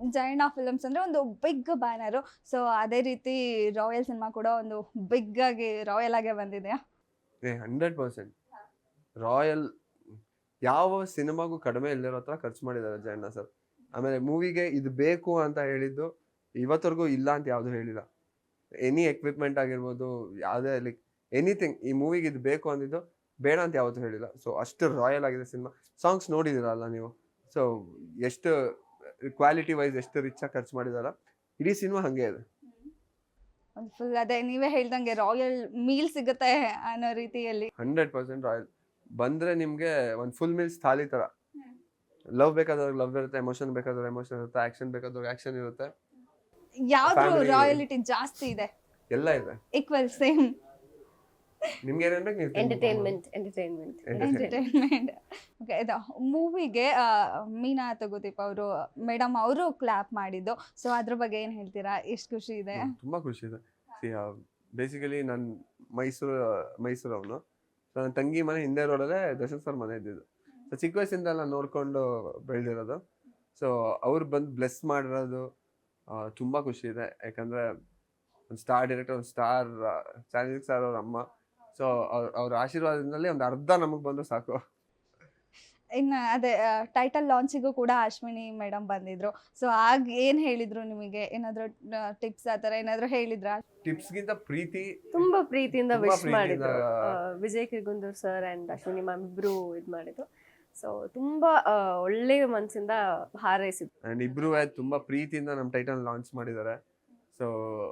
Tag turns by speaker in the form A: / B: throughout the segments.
A: Jayanna films ಅಂದರೆ ಒಂದು big banner. So ಅದೇ ರೀತಿ ರಾಯಲ್ ಸಿನಿಮಾ ಕೂಡ ಒಂದು ಬಿಗ್ ಆಗಿ ರಾಯಲ್ ಆಗೇ ಬಂದಿದೆಯಾ?
B: 100% ರಾಯಲ್ ಯಾವ ಸಿನಿಮಾಗೂ ಕಡಿಮೆ ಇಲ್ಲಿರೋ ಹತ್ರ ಖರ್ಚು ಮಾಡಿದ್ದಾರೆ ಜಯಣ್ಣ ಸರ್. ಆಮೇಲೆ ಮೂವಿಗೆ ಇದು ಬೇಕು ಅಂತ ಹೇಳಿದ್ದು ಇವತ್ತವರೆಗೂ ಇಲ್ಲ ಅಂತ ಯಾವುದು ಹೇಳಿಲ್ಲ. ಎನಿ ಎಕ್ವಿಪ್ಮೆಂಟ್ ಆಗಿರ್ಬೋದು, ಯಾವುದೇ ಲೈಕ್ ಎನಿಥಿಂಗ್, ಈ ಮೂವಿಗೆ ಇದು ಬೇಕು ಅಂದಿದ್ದು ಬೇಡ ಅಂತ ಯಾವತ್ತೂ ಹೇಳಿಲ್ಲ. ಸೊ ಅಷ್ಟು ರಾಯಲ್ ಆಗಿದೆ ಸಿನಿಮಾ. ಸಾಂಗ್ಸ್ ನೋಡಿದಿರಲ್ಲ ನೀವು, ಸೊ ಎಷ್ಟು ಕ್ವಾಲಿಟಿ ವೈಸ್ ಎಷ್ಟು ರಿಚ್ ಆಗಿ ಖರ್ಚು ಮಾಡಿದಾರ. ಇಡೀ ಸಿನಿಮಾ ಹಂಗೆ ಇದೆ.
A: ಒಂದು ಫುಲ್ ಅದೇ ನೀವೇ ಹೇಳ್ದಂಗೆ ರಾಯಲ್ ಮೀಲ್ ಸಿಗುತ್ತೆ ಅನ್ನೋ ರೀತಿಯಲ್ಲಿ
B: 100% ರಾಯಲ್. ಬಂದ್ರೆ ನಿಮ್ಗೆ ಒಂದು ಫುಲ್ ಮೀಲ್ಸ್ ಥಾಲಿ ತರ. ಲವ್ ಬೇಕಾದವ್ರಿಗೆ ಲವ್ ಇರುತ್ತೆ, ಎಮೋಷನ್ ಬೇಕಾದವ್ರಿಗೆ ಎಮೋಷನ್ ಇರುತ್ತೆ, ಆಕ್ಷನ್ ಬೇಕಾದವ್ರಿಗೆ ಆಕ್ಷನ್ ಇರುತ್ತೆ.
A: ಯಾವ್ದು
B: Family-
A: ರಾಯಲಿಟಿ ಜಾಸ್ತಿ ಇದೆ?
B: ಎಲ್ಲ ಇದೆ.
A: ಈಕ್ವಲ್ ಸೇಮ್
B: ನಿಮ್ಗೆ ಏನೇನ್ ಬೇಕು ನೀವು
C: ಎಂಟರ್ಟೈನ್ಮೆಂಟ್
A: ಎಂಟರ್ಟೈನ್ಮೆಂಟ್. ಓಕೆ, ಇದು ಮೂವಿಗೆ ಮೀನಾ ತಗೋದೀಪ್ ಅವರು ಮೇಡಮ್ ಅವರು ಕ್ಲಾಪ್ ಮಾಡಿದ್ದು. ಸೊ ಅದ್ರ ಬಗ್ಗೆ ಏನು ಹೇಳ್ತೀರಾ? ಎಷ್ಟು ಖುಷಿ ಇದೆ?
B: ತುಂಬಾ ಖುಷಿ ಇದೆ. ಬೇಸಿಕಲಿ ನಾನು ಮೈಸೂರವನು. ಸೊ ನನ್ನ ತಂಗಿ ಮನೆ ಹಿಂದೆ ರೋಡಲ್ಲೇ ದರ್ಶನ್ ಸರ್ ಮನೆ ಇದ್ದಿದ್ದು. ಸೊ ಚಿಕ್ಕ ವಯಸ್ಸಿಂದ ಎಲ್ಲ ನೋಡ್ಕೊಂಡು ಬೆಳೆದಿರೋದು. ಸೊ ಅವ್ರು ಬಂದು ಬ್ಲೆಸ್ ಮಾಡಿರೋದು ತುಂಬಾ ಖುಷಿ ಇದೆ. ಯಾಕಂದ್ರೆ ಒಂದು ಸ್ಟಾರ್ ಡೈರೆಕ್ಟರ್, ಒಂದು ಸ್ಟಾರ್ ಚಾಂದಿಕ್ ಸರ್ ಅವ್ರ ಅಮ್ಮ. ಸೊ ಅವ್ರ ಆಶೀರ್ವಾದದಿಂದಲೇ ಒಂದು ಅರ್ಧ ನಮಗೆ ಬಂದು ಸಾಕು.
A: ಇನ್ನು ಅದೇ ಟೈಟಲ್ ಲಾಂಚಿಗೂ ಕೂಡ ಅಶ್ವಿನಿ ಮೇಡಮ್ ಬಂದಿದ್ರು. ಸೊ ಆಗ ಏನು ಹೇಳಿದ್ರು ನಿಮಗೆ? ಏನಾದರೂ ಟಿಪ್ಸ್ ಆ ಥರ ಏನಾದರೂ ಹೇಳಿದ್ರಾ?
B: ಟಿಪ್ಸ್ಗಿಂತ ಪ್ರೀತಿ,
C: ತುಂಬಾ ಪ್ರೀತಿಯಿಂದ
B: ತುಂಬಾ
C: ವಿಶ್ ಮಾಡಿದ್ರು. Vijay Kirgundur sir and Ashwini ma'am ಇಬ್ರು ಇದ್ ಮಾಡಿದ್ರು. ಸೊ ತುಂಬಾ ಒಳ್ಳೆ ಮನಸ್ಸಿಂದ ಹಾರೈಸಿದ್ರು.
B: ಅಂಡ್ ಇಬ್ರು ತುಂಬಾ ಪ್ರೀತಿಯಿಂದ ನಮ್ಮ ಟೈಟಲ್ ಲಾಂಚ್ ಮಾಡಿದ್ದಾರೆ. ಸೊ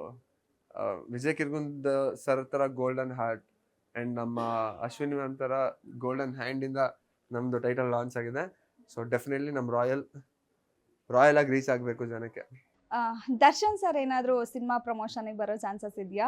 B: ವಿಜಯ್ ಕಿರ್ಗುಂದ್ ಸರ್ ತರ ಗೋಲ್ಡನ್ ಹಾರ್ಟ್ ಅಂಡ್ ನಮ್ಮ ಅಶ್ವಿನಿ ಮ್ಯಾಮ್ ತರ ಗೋಲ್ಡನ್ ಹ್ಯಾಂಡ್ ಇಂದ ನಮ್ದು ಟೈಟಲ್ ಲಾಂಚ್ ಆಗಿದೆ. ಸೊ ಡೆಫಿನೆಟ್ಲಿ ನಮ್ಮ ರಾಯಲ್ ಆಗಿ ರೀಚ್ ಆಗಬೇಕು ಜನಕ್ಕೆ.
A: ದರ್ಶನ್ ಸರ್ ಏನಾದರೂ ಸಿನಿಮಾ ಪ್ರಮೋಷನ್ಗೆ ಬರೋ ಚಾನ್ಸಸ್ ಇದೆಯಾ?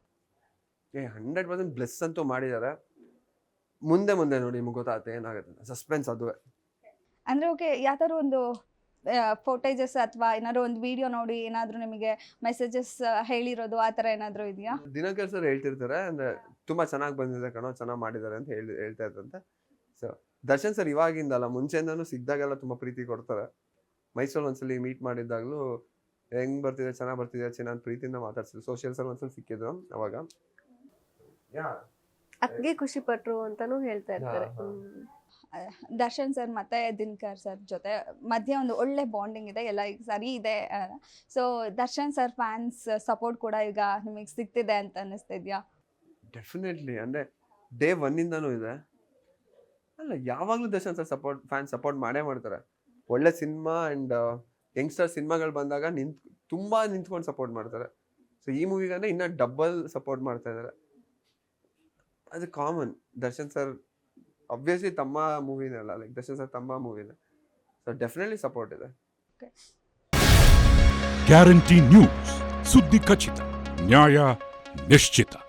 B: 100% ಬ್ಲೆಸ್ ಅಂತೂ ಮಾಡಿದ್ದಾರೆ. ಮುಂದೆ ನೋಡಿ ನಿಮ್ಗೆ ಗೊತ್ತಾಗುತ್ತೆ ಏನಾಗುತ್ತೆ. ಸಸ್ಪೆನ್ಸ್ ಅದುವೇ.
A: ಅಂದರೆ ಓಕೆ, ಯಾವ್ದಾದ್ರು ಒಂದು ಫೋಟೇಜಸ್ ಅಥವಾ ಏನಾದ್ರು ಒಂದು ವಿಡಿಯೋ ನೋಡಿ ಏನಾದರೂ ನಿಮಗೆ ಮೆಸೇಜಸ್ ಹೇಳಿರೋದು ಆ ಥರ ಏನಾದರೂ ಇದೆಯಾ?
B: ದಿನಕರ್ ಸರ್ ಹೇಳ್ತಿರ್ತಾರೆ, ಅಂದ್ರೆ ತುಂಬಾ ಚೆನ್ನಾಗಿ ಬಂದಿದೆ ಕಣೋ, ಚೆನ್ನಾಗಿ ಮಾಡಿದ್ದಾರೆ ಅಂತ ಹೇಳ್ತಾ ಇದ್ರಂತೆ. ಸೊ ದರ್ಶನ್ ಸರ್ ಇವಾಗಿಂದಲ್ಲ, ಮುಂಚೆಯಿಂದನೂ ಸಿಕ್ಕಿದಾಗೆಲ್ಲ ತುಂಬಾ ಪ್ರೀತಿ ಕೊಡ್ತಾರೆ. ಮೈಸೂರಲ್ಲಿ ಒಂದ್ಸಲಿ ಮೀಟ್ ಮಾಡಿದ್ದಾಗಲೂ ಹೆಂಗ್ ಬರ್ತಿದೆ, ಚೆನ್ನಾಗಿ ಬರ್ತಿದೆ ಚಿನ್ನ ಅಂತ ಪ್ರೀತಿಯಿಂದ ಮಾತಾಡ್ಸಿದ್ರು. ಸೋಷಿಯಲ್ ಸರ್ ಒಂದ್ಸಲ ಸಿಕ್ಕಿದ್ರು ಅವಾಗ.
C: ಅದ್ಗೆ ಖುಷಿ ಪಟ್ರು ಅಂತಾನು ಹೇಳ್ತಾ ಇರ್ತಾರೆ.
A: ದರ್ಶನ್ ಸರ್ ಮತ್ತೆ ದಿನಕರ್ ಸರ್ ಜೊತೆ ಮಧ್ಯೆ ಒಂದು ಒಳ್ಳೆ ಬಾಂಡಿಂಗ್ ಇದೆ, ಎಲ್ಲ ಈಗ ಸರಿ ಇದೆ. So Darshan sir fans support ಕೂಡ ಈಗ ನಿಮಗೆ ಸಿಗ್ತಿದೆ ಅಂತ ಅನ್ನಿಸ್ತಿದ್ಯಾ?
B: ಡೆಫಿನೆಟ್ಲಿ. ಅಂದ್ರೆ ಡೇ 1 ಇಂದನೂ ಇದೆ. ಅಲ್ಲ, ಯಾವಾಗ್ಲೂ ದರ್ಶನ್ ಸರ್ ಫ್ಯಾನ್ ಸಪೋರ್ಟ್ ಮಾಡೇ ಮಾಡ್ತಾರೆ. ಒಳ್ಳೆ ಸಿನಿಮಾ ಅಂಡ್ ಯಂಗ್ಸ್ಟರ್ ಸಿನಿಮಾಗಳು ಬಂದಾಗ ತುಂಬಾ ನಿಂತ್ಕೊಂಡು ಸಪೋರ್ಟ್ ಮಾಡ್ತಾರೆ. ಸೊ ಈ ಮೂವಿಗಂದ್ರೆ ಇನ್ನ ಡಬಲ್ ಸಪೋರ್ಟ್ ಮಾಡ್ತಾ ಇದ್ದಾರೆ. ಅದು ಕಾಮನ್. ದರ್ಶನ್ ಸರ್ obviously ತಮ್ಮ ಮೂವಿನೇ ಅಲ್ಲ, ಲೈಕ್ ದರ್ಶನ್ ಸರ್ ತಮ್ಮ ಮೂವಿನೇ. ಸೊ ಡೆಫಿನೆಟ್ಲಿ ಸಪೋರ್ಟ್ ಇದೆ.
D: ಗ್ಯಾರಂಟಿ ನ್ಯೂಸ್, ಸುದ್ದಿ ಖಚಿತ, ನ್ಯಾಯ ನಿಶ್ಚಿತ.